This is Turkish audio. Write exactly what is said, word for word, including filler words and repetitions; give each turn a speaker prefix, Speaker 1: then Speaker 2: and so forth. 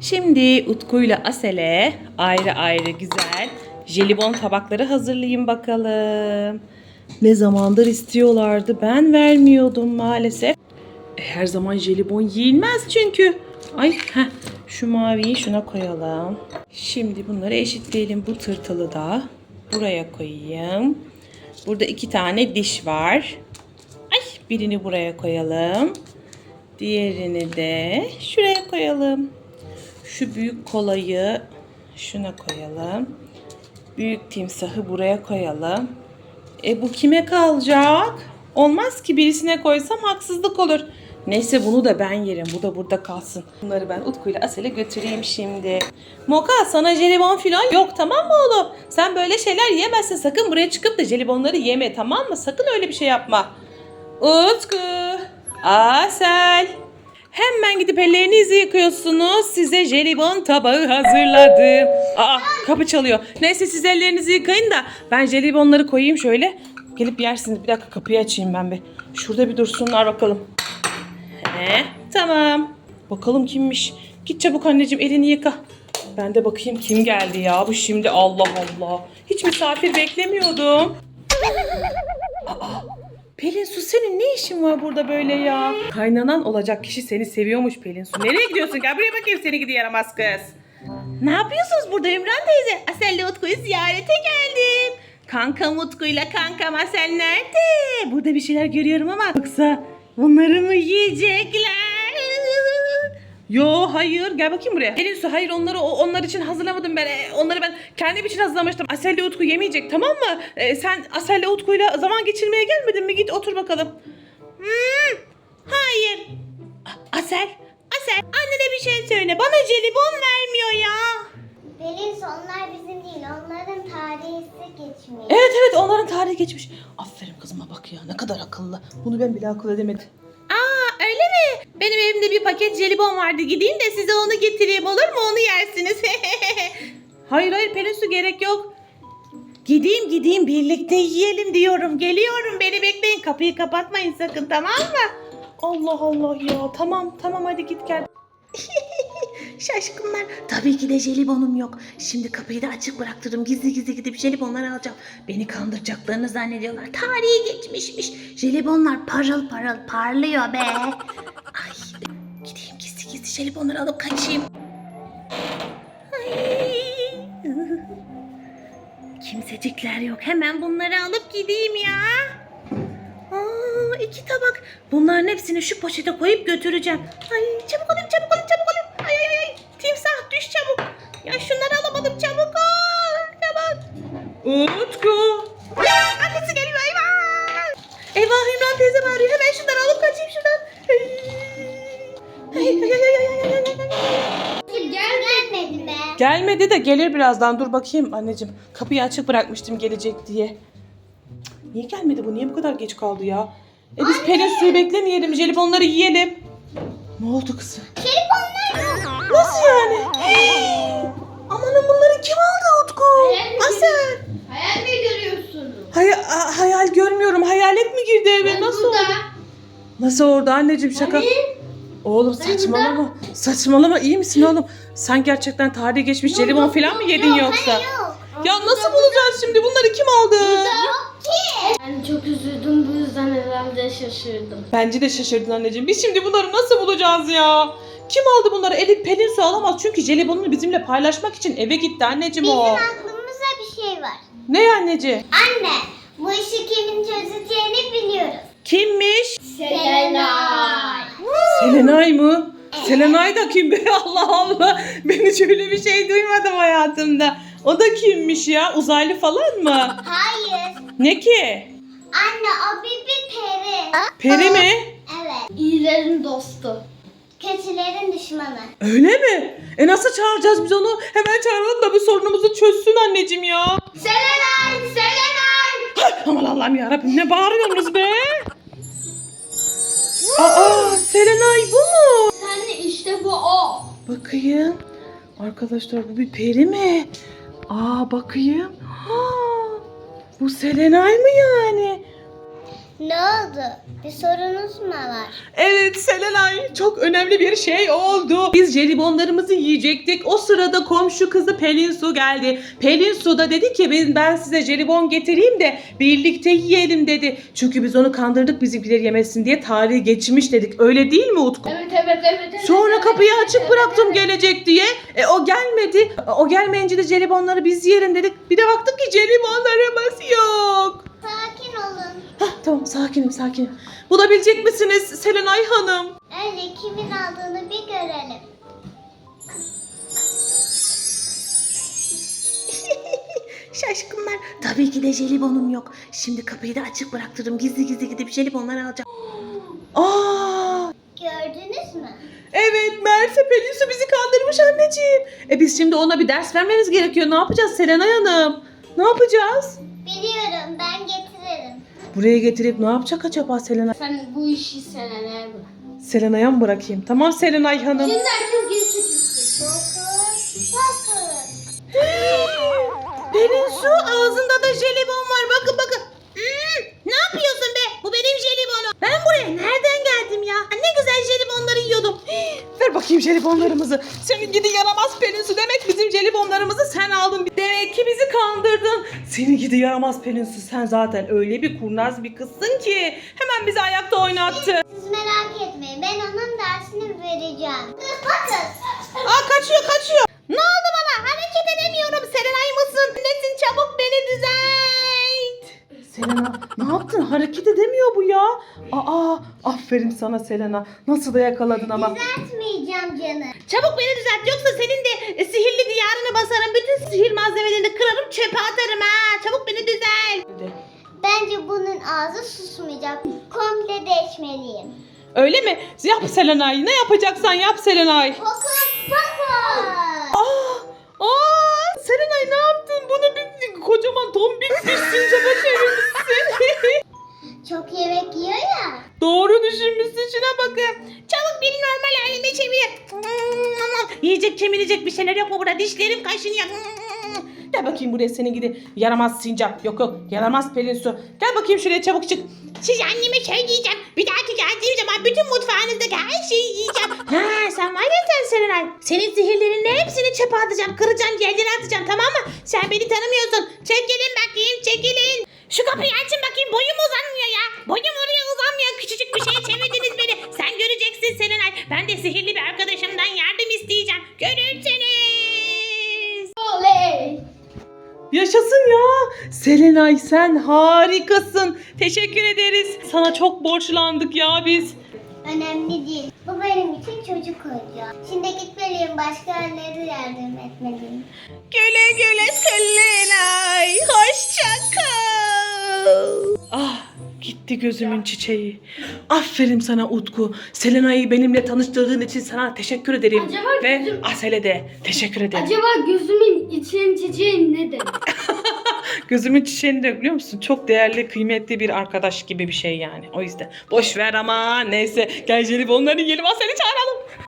Speaker 1: Şimdi Utku'yla Asel'e ayrı ayrı güzel jelibon tabakları hazırlayayım bakalım. Ne zamandır istiyorlardı, ben vermiyordum maalesef. E, her zaman jelibon yiyilmez çünkü. Ay heh, şu maviyi şuna koyalım. Şimdi bunları eşitleyelim. Bu tırtılı da buraya koyayım. Burada iki tane diş var. Ay, birini buraya koyalım. Diğerini de şuraya koyalım. Şu büyük kolayı şuna koyalım. Büyük timsahı buraya koyalım. E bu kime kalacak? Olmaz ki, birisine koysam haksızlık olur. Neyse, bunu da ben yerim. Bu da burada kalsın. Bunları ben Utku ile Asel'e götüreyim şimdi. Moka, sana jelibon falan yok, tamam mı oğlum? Sen böyle şeyler yemezsin. Sakın buraya çıkıp da jelibonları yeme, tamam mı? Sakın öyle bir şey yapma. Utku, Asel. Hemen gidip ellerinizi yıkıyorsunuz. Size jelibon tabağı hazırladım. Aa, kapı çalıyor. Neyse, siz ellerinizi yıkayın da ben jelibonları koyayım şöyle. Gelip yersiniz. Bir dakika, kapıyı açayım ben bir. Şurada bir dursunlar bakalım. He, tamam. Bakalım kimmiş. Git çabuk anneciğim, elini yıka. Ben de bakayım kim geldi ya bu şimdi. Allah Allah. Hiç misafir beklemiyordum. Aa, Pelin Su, senin ne işin var burada böyle ya? Kaynanan olacak kişi seni seviyormuş Pelin Su. Nereye gidiyorsun? Gel buraya bakayım, seni gidi yaramaz kız. Ne yapıyorsunuz burada Ümran teyze? Asel'le Utku'yu ziyarete geldim. Kankam Utku'yla kankam Asel nerede? Burada bir şeyler görüyorum ama yoksa bunları mı yiyecekler? Yo, hayır, gel bakayım buraya. Pelin Su, hayır, onları onlar için hazırlamadım ben. E, Onları ben kendim için hazırlamıştım. Asel'le Utku yemeyecek, tamam mı? E, sen Asel'le Utku'yla zaman geçirmeye gelmedin mi? Git otur bakalım. Hmm, hayır. A- Asel, Asel, annene bir şey söyle. Bana jelibon vermiyor ya.
Speaker 2: Pelin Su, onlar bizim değil. Onların tarihi geçmiş.
Speaker 1: Evet evet, onların tarihi geçmiş. Aferin kızıma bak ya, ne kadar akıllı. Bunu ben bile akıl edemedim. Aa, öyle mi? Benim evimde bir paket jelibon vardı. Gideyim de size onu getireyim, olur mu? Onu yersiniz. Hayır hayır Pelin Su, gerek yok. Gideyim gideyim, birlikte yiyelim diyorum. Geliyorum, beni bekleyin. Kapıyı kapatmayın sakın, tamam mı? Allah Allah ya. Tamam tamam, hadi git gel. Şaşkınlar. Tabii ki de jelibonum yok. Şimdi kapıyı da açık bıraktırdım. Gizli gizli gidip jelibonları alacağım. Beni kandıracaklarını zannediyorlar. Tarihi geçmişmiş. Jelibonlar parıl parıl parlıyor be. Ay, gideyim gizli gizli jelibonları alıp kaçayım. Ay. Kimsecikler yok. Hemen bunları alıp gideyim ya. Aa, iki tabak. Bunların hepsini şu poşete koyup götüreceğim. Ay, çabuk olayım, çabuk olayım, çabuk olayım. Ay ay ay. Timsah, düş çabuk. Ya şunları alamadım, çabuk ol. Çabuk. Utku. Annesi geliyor, eyvah. Eyvah, Ümran teyze bağırıyor. Hemen şunları alıp kaçayım şuradan. Ay ay ay ay ay ay ay.
Speaker 2: Gelmedi be.
Speaker 1: Gelmedi de gelir birazdan. Dur bakayım anneciğim. Kapıyı açık bırakmıştım gelecek diye. Niye gelmedi bu? Niye bu kadar geç kaldı ya? E biz Pelin Su'yu beklemeyelim. Jelibonları yiyelim. Ne oldu kızım?
Speaker 2: Jelibonlar yok.
Speaker 1: Nasıl yani? Hey! Amanın, bunları kim aldı Utku? Asel.
Speaker 2: Hayal mi görüyorsunuz?
Speaker 1: Hay a- hayal görmüyorum. Hayalet mi girdi eve? Nasıl oldu? Nasıl orada anneciğim, şaka? Oğlum saçmalama. Saçmalama, iyi misin oğlum? Sen gerçekten tarihi geçmiş jelibon falan mı yedin yoksa?
Speaker 2: Yok.
Speaker 1: Ya nasıl bulacağız şimdi? Bunları kim aldı?
Speaker 2: Yok ki.
Speaker 3: Ben çok üzüldüm, bu yüzden herhalde şaşırdım.
Speaker 1: Bence de şaşırdın anneciğim. Biz şimdi bunları nasıl bulacağız ya? Kim aldı bunları? Elif, Pelin Su alamaz. Çünkü jelibonunu bizimle paylaşmak için eve gitti anneciğim
Speaker 2: Bizim
Speaker 1: o.
Speaker 2: aklımızda bir şey var.
Speaker 1: Ne anneciğim?
Speaker 2: Anne, bu işi kimin çözeceğini biliyoruz.
Speaker 1: Kimmiş?
Speaker 2: Selenay.
Speaker 1: Selenay mı? Selenay da kim be? Allah Allah. Ben hiç öyle bir şey duymadım hayatımda. O da kimmiş ya? Uzaylı falan mı?
Speaker 2: Hayır.
Speaker 1: Ne ki?
Speaker 2: Anne, o bir, bir peri.
Speaker 1: Peri mi?
Speaker 2: Evet.
Speaker 3: İyilerin dostu.
Speaker 2: Kötülerin düşmanı.
Speaker 1: Öyle mi? E nasıl çağıracağız biz onu? Hemen çağıralım da bu sorunumuzu çözsün anneciğim ya.
Speaker 2: Selenay, Selenay.
Speaker 1: Ay, aman Allah'ım yarabbim, ne bağırıyorsunuz be? Aa, Selenay bu mu?
Speaker 3: Anne işte bu o.
Speaker 1: Bakayım. Arkadaşlar, bu bir peri mi? Aa, bakayım. Ha, bu Selenay mı yani?
Speaker 2: Ne oldu? Bir sorunuz mu var?
Speaker 1: Evet Selenay, çok önemli bir şey oldu. Biz jelibonlarımızı yiyecektik. O sırada komşu kızı Pelin Su geldi. Pelin Su da dedi ki ben, ben size jelibon getireyim de birlikte yiyelim dedi. Çünkü biz onu kandırdık bizimkileri yemesin diye, tarihi geçmiş dedik. Öyle değil mi Utku?
Speaker 3: Evet evet evet. evet
Speaker 1: Sonra
Speaker 3: evet,
Speaker 1: kapıyı
Speaker 3: evet,
Speaker 1: açık
Speaker 3: evet,
Speaker 1: bıraktım
Speaker 3: evet.
Speaker 1: gelecek diye. E, o gelmedi. O gelmeyince de jelibonları biz yiyelim dedik. Bir de baktık ki jelibonlarımız yok.
Speaker 2: Sakin olun.
Speaker 1: Hah, tamam sakinim sakinim. Bulabilecek misiniz Selenay Hanım?
Speaker 2: Önce kimin aldığını bir görelim.
Speaker 1: Şaşkınlar. Tabii ki de jelibonum yok. Şimdi kapıyı da açık bıraktırdım. Gizli gizli gidip jelibonları alacağım. Aa!
Speaker 2: Gördünüz mü?
Speaker 1: Evet, meğerse Pelin Su bizi kandırmış anneciğim. E biz şimdi ona bir ders vermemiz gerekiyor. Ne yapacağız Selenay Hanım? Ne yapacağız?
Speaker 2: Biliyorum, ben getiririm.
Speaker 1: Buraya getirip ne yapacak acaba Selenay?
Speaker 3: Sen bu işi senelere bırak.
Speaker 1: Selenay'a mı bırakayım? Tamam Selenay Hanım.
Speaker 3: Şimdi herkes geri çekilsin.
Speaker 2: Fokus, fokus.
Speaker 1: Pelin Su, ağzında da jelibon var. Bakın bakın. Hmm, ne yapıyorsun be? Bu benim jelibonum. Ben buraya nereden geldim ya? Ne güzel jelibonları yiyordum. Ver bakayım jelibonlarımızı. Senin gidi yaramaz Pelin Su. Demek bizim jelibonlarımızı sen aldın. Demek ki bizi kandırdın. Senin gidi yaramaz Pelin Su. Sen zaten öyle bir kurnaz bir kızsın ki. Hemen bizi ayakta oynattı.
Speaker 2: Siz merak etmeyin, ben onun dersini vereceğim. Bakın.
Speaker 1: Aa, kaçıyor kaçıyor. Ne oldu bana? Hareket edemiyorum. Serenay mısın? Nesin? Çabuk beni düzelt. Selena, ne yaptın? Hareket edemiyor bu ya. Aa, aferin sana Selena. Nasıl da yakaladın ama.
Speaker 2: Düzeltmeyeceğim canım.
Speaker 1: Çabuk beni düzelt, yoksa senin de e, sihirli diyarını basarım. Bütün sihir malzemelerini kırarım, çöpe atarım ha. Çabuk beni düzelt.
Speaker 2: Bence bunun ağzı susmayacak. Komple değişmeliyim.
Speaker 1: Öyle mi? Yap Selenay. Ne yapacaksan yap Selenay.
Speaker 2: Fokus, fokus.
Speaker 1: Aa, aa, Serenay ne yaptın? Bunu bir kocaman tombik bir sincaba çevirmişsin.
Speaker 2: Çok yemek yiyor ya.
Speaker 1: Doğru düşünmüşsün, şuna bakın. Çabuk beni normal halime çevir. Yiyecek kemirecek bir şeyler yok mu burada? Dişlerim kaşınıyor. Gel bakayım buraya, senin gidi yaramaz sincap. Yok yok, yaramaz Pelin Su. Gel bakayım şuraya, çabuk çık. Siz anneme şey diyeceğim. Bir dahaki geldiğim zaman bütün mutfağınızdaki her şeyi yiyeceğim. Ha, sen var ya sen Serenay. Senin sihirlerinin hepsini çöpe atacağım. Kıracağım, yerlere atacağım, tamam mı? Sen beni tanımıyorsun. Çekilin bakayım, çekilin. Şu kapıyı açın bakayım, boyum uzanmıyor ya. Boyum oraya uzanmıyor. Küçücük bir şeye çevirdiniz beni. Sen göreceksin Serenay. Ben de sihirli bir arkadaşımdan yardım isteyeceğim. Görürsünüz.
Speaker 3: Oley.
Speaker 1: Yaşasın ya. Selenay sen harikasın. Teşekkür ederiz. Sana çok borçlandık ya biz.
Speaker 2: Önemli değil. Bu benim için çocuk oyuncağı. Şimdi gitmeliyim. Başka yerlere yardım etmeliyim.
Speaker 1: Güle güle Selenay. Hoşça kal. Ah, gitti gözümün çiçeği. Aferin sana Utku. Selenay'ı benimle tanıştırdığın için sana teşekkür ederim.
Speaker 3: Acaba
Speaker 1: Ve
Speaker 3: gözüm-
Speaker 1: Asel'e de teşekkür ederim.
Speaker 3: Acaba gözümün için çiçeği ne demek?
Speaker 1: Gözümün çiçeğini de biliyor musun? Çok değerli, kıymetli bir arkadaş gibi bir şey yani. O yüzden. Boş ver ama neyse. Gel jelibonları yiyelim. Asel'i çağıralım.